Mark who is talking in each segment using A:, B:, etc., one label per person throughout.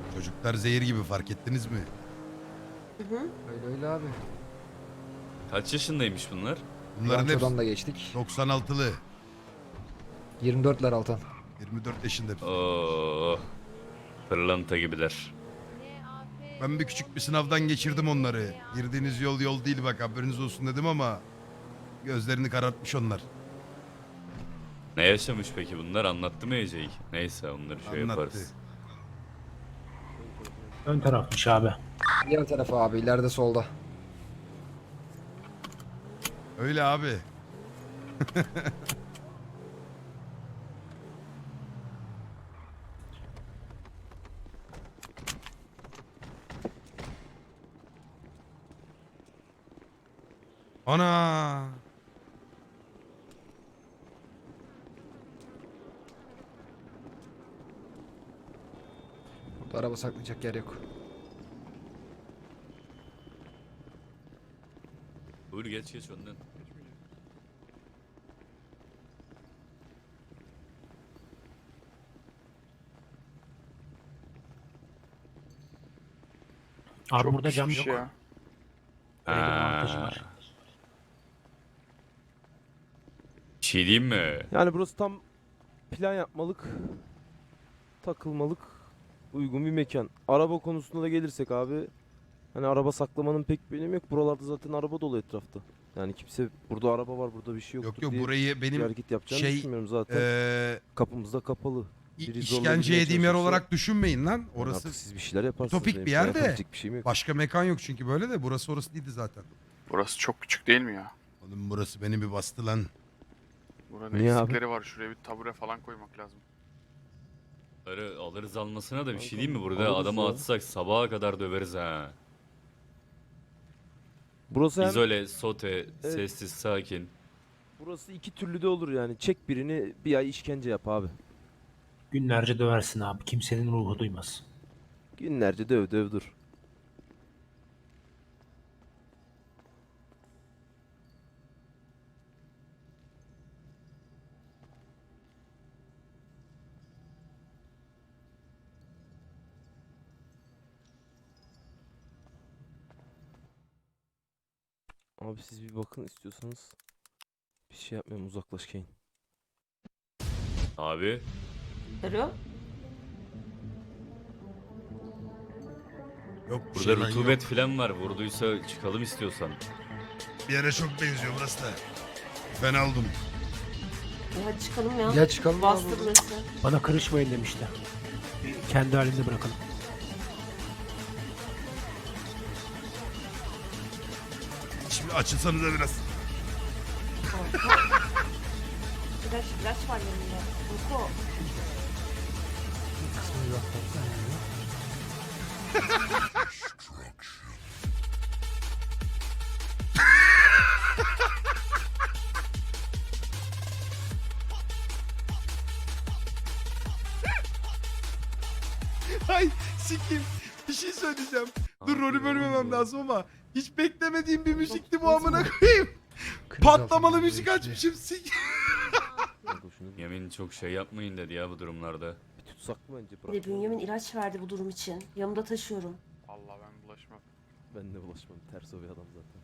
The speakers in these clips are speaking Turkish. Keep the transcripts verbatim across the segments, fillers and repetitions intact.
A: Çocuklar zehir gibi, fark ettiniz mi?
B: Hı hı.
C: Öyle öyle abi.
D: Kaç yaşındaymış bunlar?
A: Bunların hepsi
C: Rançodan da geçtik.
A: doksan altılı.
C: yirmi dörtler Altan.
A: yirmi dört yaşında.
D: Oo, pırlanta gibiler.
A: Ben bir küçük bir sınavdan geçirdim onları. Girdiğiniz yol yol değil bak, haberiniz olsun dedim ama gözlerini karartmış onlar.
D: Ne yaşamış peki bunlar? Anlattı mı Ece'yi? Neyse onları şey
A: Anlattı.
D: yaparız.
E: Ön tarafmış abi.
C: Diğer tarafa abi, ileride solda.
A: Öyle abi. Ana.
C: Burada araba saklayacak yer yok.
D: Buyur geç geç önden.
E: Abi burada cam yok.
F: pişmiş ya.
E: Öyle bir
D: Ha.
E: avantajı var.
D: Bir şey diyeyim mi?
G: Yani burası tam plan yapmalık, takılmalık, uygun bir mekan. Araba konusunda da gelirsek abi, hani araba saklamanın pek bir önemi yok. Buralarda zaten araba dolu etrafta. Yani kimse burada araba var, burada bir şey yoktur
A: Yok yok,
G: diye
A: burayı
G: bir
A: benim
G: hareket yapacağını
A: şey,
G: düşünmüyorum zaten.
A: eee
G: Kapımız da kapalı.
A: i-
G: Biri
A: işkence
G: zorlayabilmeye
A: yediğim yer
G: çalışırsa-
A: olarak düşünmeyin lan.
G: Yani
A: Orası
G: artık siz bir şeyler yaparsınız.
A: ütopik
G: benim
A: bir
G: sana
A: yer de.
G: yapabilecek bir şeyim yok.
A: başka mekan yok çünkü böyle de. Burası orası değildi zaten.
F: Burası çok küçük değil mi ya?
A: Oğlum burası beni bir bastı lan.
F: Buranın
G: Niye abi?
F: eksikleri var. Şuraya bir tabure falan koymak lazım.
D: Alırız, alırız almasına da bir şey
G: Kanka,
D: değil mi? Burada
G: alırız
D: adamı
G: ya.
D: atsak sabaha kadar döveriz ha.
G: Burası hem,
D: İzole, sote, sessiz, sakin.
G: burası iki türlü de olur yani. Çek birini, bir ay işkence yap abi.
E: Günlerce döversin abi. Kimsenin ruhu duymaz.
G: Günlerce döv döv dur. Abi siz bir bakın istiyorsanız. Bir şey yapmayalım, uzaklaş Kane.
D: Abi
B: Alo.
A: Yok bir
D: burada
A: şey lan,
D: rutubet
A: yok.
D: falan var. Vurduysa çıkalım istiyorsan.
A: Bir yere çok benziyor burası da. Fena oldum.
B: Ya hadi çıkalım ya.
C: Gel çıkalım
B: Bastı
C: abi.
B: burası.
E: Bana karışmayın demişti. Kendi halinde bırakalım.
A: Şimdi açılsanıza biraz.
B: İlaç, ilaç var yanında. Uyku.
A: Ay sikim. Bir şey söyleyeceğim. Dur,
D: Abi,
A: rolü bölmemem
D: oğlum.
A: lazım ama hiç beklemediğim bir müzikti bu, amına koyayım.
C: Kriz
A: Patlamalı
C: altında
A: müzik
C: geçti.
A: açmışım. Sik.
G: Kanka şunu bir,
D: Yemin çok şey yapmayın dedi ya bu durumlarda.
G: bir tutsak mı bence
B: Bir de
G: bırak.
B: Bünyamin ilaç verdi bu durum için. Yanımda taşıyorum.
F: Allah ben bulaşmam.
G: Ben de bulaşmam. Ters o bir adam zaten.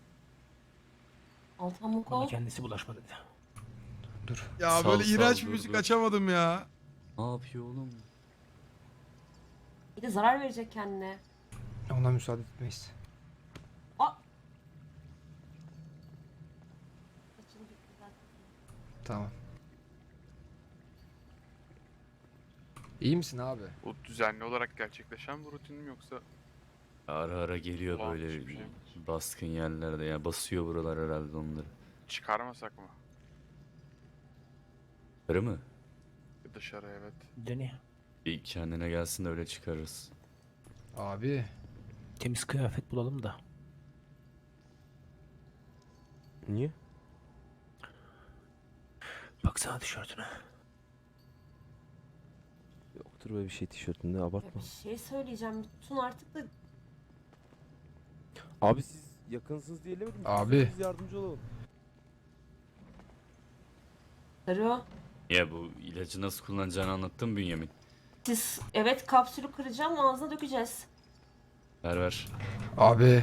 B: Altan
E: Bana
B: Muko.
E: kendisi bulaşma dedi.
C: Dur.
A: Ya
D: Sal,
A: böyle
D: sal,
A: iğrenç bir
D: dur,
A: müzik
D: dur.
A: açamadım ya.
D: Ne yapıyor oğlum?
B: Bir de zarar verecek kendine.
C: Ona müsaade etmeyiz.
B: Aa!
C: Tamam. İyi misin abi?
F: Bu düzenli olarak gerçekleşen bir rutin mi yoksa
D: Ara ara geliyor
F: Ulan,
D: böyle
F: hiçbir şey yok.
D: baskın yerlerde ya, basıyor buralar herhalde onları.
F: çıkarmasak mı?
D: Karı mı?
F: Dışarı evet.
E: Deni.
D: Bir kendine gelsin de öyle çıkarırız.
C: Abi.
E: Temiz kıyafet bulalım da.
G: Niye?
E: Baksana tişörtüne.
G: Yoktur böyle bir şey tişörtünde,
B: Ya
G: abartma.
B: bir şey söyleyeceğim. Tutun artık da.
G: Abi siz yakınsınız diyemedim.
C: Abi.
G: Biz yardımcı olalım.
B: Alo.
D: Ya bu ilacı nasıl kullanacağını anlattın Bünyamin.
B: Siz evet kapsülü kıracağım ağzına dökeceğiz.
D: Ver ver.
C: Abi.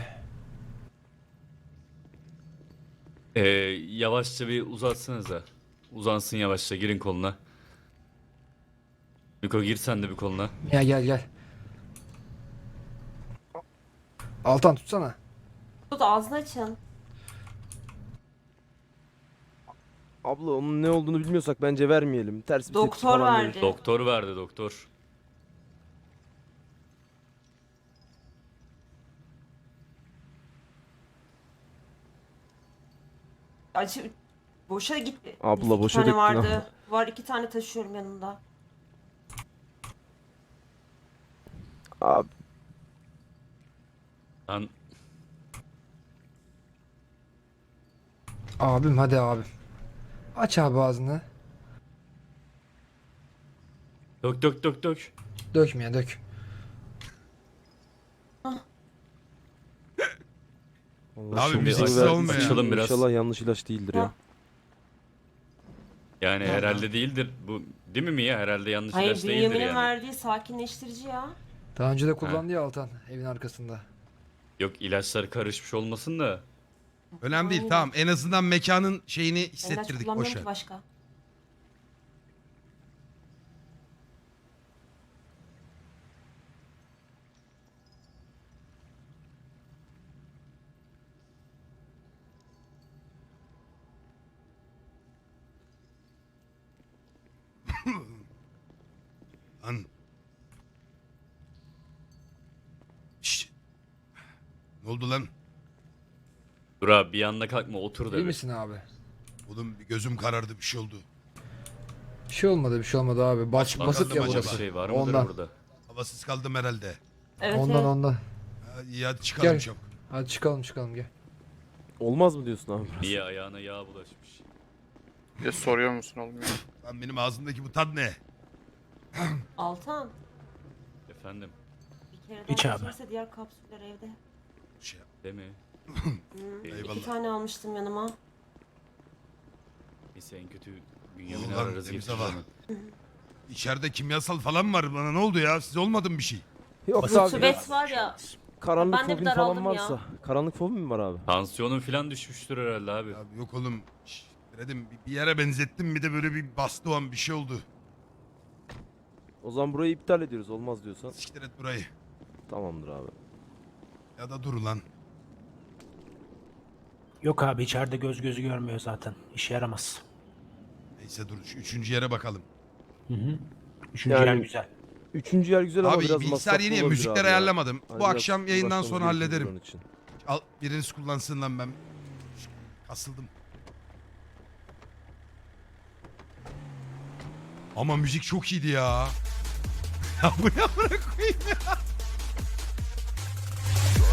D: Ee, yavaşça bir uzatsanıza. Uzansın yavaşça, girin koluna. Miko gir sen de bir koluna.
C: Gel gel gel. Altan tutsana.
B: Tut ağzını açın.
G: Abla onun ne olduğunu bilmiyorsak bence vermeyelim. Ters bir tepki
B: Doktor
G: falan verir.
B: verdi.
D: Doktor verdi doktor.
B: Acı boşa gitti.
G: Abla,
B: İki
G: boşa
B: tane
G: döktün
B: vardı.
G: abla.
B: Var iki tane taşıyorum yanımda.
G: Abi
D: Lan
C: Abim hadi abim. Aç abi ağzını.
D: dök dök dök dök.
C: Dökmeye dök.
G: Allah
A: Abi
G: şimdi
A: müziksiz
G: ver-
A: olmuyor ya.
D: Açalım biraz.
G: İnşallah yanlış ilaç değildir ya.
B: Ha.
D: Yani herhalde değildir. Bu değil mi Mia? Herhalde yanlış
B: Hayır
D: ilaç değildir
B: Bünyamin'in
D: yani.
B: verdiği sakinleştirici ya.
C: Daha önce de kullandı ya Altan evin arkasında.
D: Yok ilaçlar karışmış olmasın da.
A: Önemli değil
B: Aynen.
A: tamam. En azından mekanın şeyini
B: Ben ilaç
A: hissettirdik.
B: kullanmıyorum
A: Boş ver.
B: ki başka.
A: Lan. Şşt. Ne oldu lan?
D: Dur abi bir anda kalkma, otur da
C: İyi
D: bir.
C: misin abi?
A: Oğlum bir gözüm karardı bir şey oldu.
C: Bir şey olmadı bir şey olmadı abi. Baş,
A: Lan
C: basık ya
A: kaldım
D: Acaba
C: burası.
A: acaba?
D: şey var mıdır
C: Ondan.
D: burada?
A: Havasız kaldım herhalde.
B: Evet
C: Ondan
B: evet.
C: ondan.
A: Ha, iyi hadi çıkalım
C: Gel.
A: çabuk.
C: Hadi çıkalım çıkalım gel.
G: Olmaz mı diyorsun abi?
D: Mia ayağına yağ bulaşmış.
F: Bir de soruyor musun oğlum ya?
A: Lan benim ağzımdaki bu tat ne?
B: Altan
D: Efendim,
B: bir kere
E: İç
B: daha
E: abi.
B: içerse diğer kapsüller evde.
A: Şey,
D: değil mi?
B: Hı.
A: Eyvallah.
B: İki tane almıştım yanıma.
D: Neyse en kötü Bünyamin'i
A: Ulan
D: ararız
A: temiz
D: getiririz
A: hava.
D: hemen.
A: İçeride kimyasal falan var bana ne oldu ya? Size olmadı mı bir şey?
G: Yoksa abi
B: Rutubet var ya.
G: karanlık
B: Ben de bir
G: fobin
B: daraldım
G: falan
B: ya.
G: varsa. Karanlık fobin mi var abi?
D: Tansiyonun falan düşmüştür herhalde abi.
A: Ya yok oğlum. Şşt, dedim bir- bir yere benzettim bir de böyle bir bastı o an bir şey oldu.
G: O zaman burayı iptal ediyoruz olmaz diyorsan.
A: Siktir et burayı.
G: Tamamdır abi.
A: Ya da dur lan.
E: Yok abi içeride göz gözü görmüyor zaten. İşe yaramaz.
A: Neyse dur şu üçüncü yere bakalım.
E: Hı hı. Üçüncü
G: Yani-
E: yer güzel.
G: Üçüncü yer güzel ama
A: Abi
G: biraz
A: bilgisayar
G: masraflı
A: yeni ya
G: olabilir
A: müzikleri
G: abi ya.
A: ayarlamadım.
G: Hani
A: Bu
G: biraz
A: akşam yayından
G: uğraşmamız
A: sonra
G: gerekiyor
A: hallederim.
G: onun için.
A: Al biriniz kullansın lan ben. Kasıldım. Ama müzik çok iyiydi ya. Ya bu ne amına koyayım ya.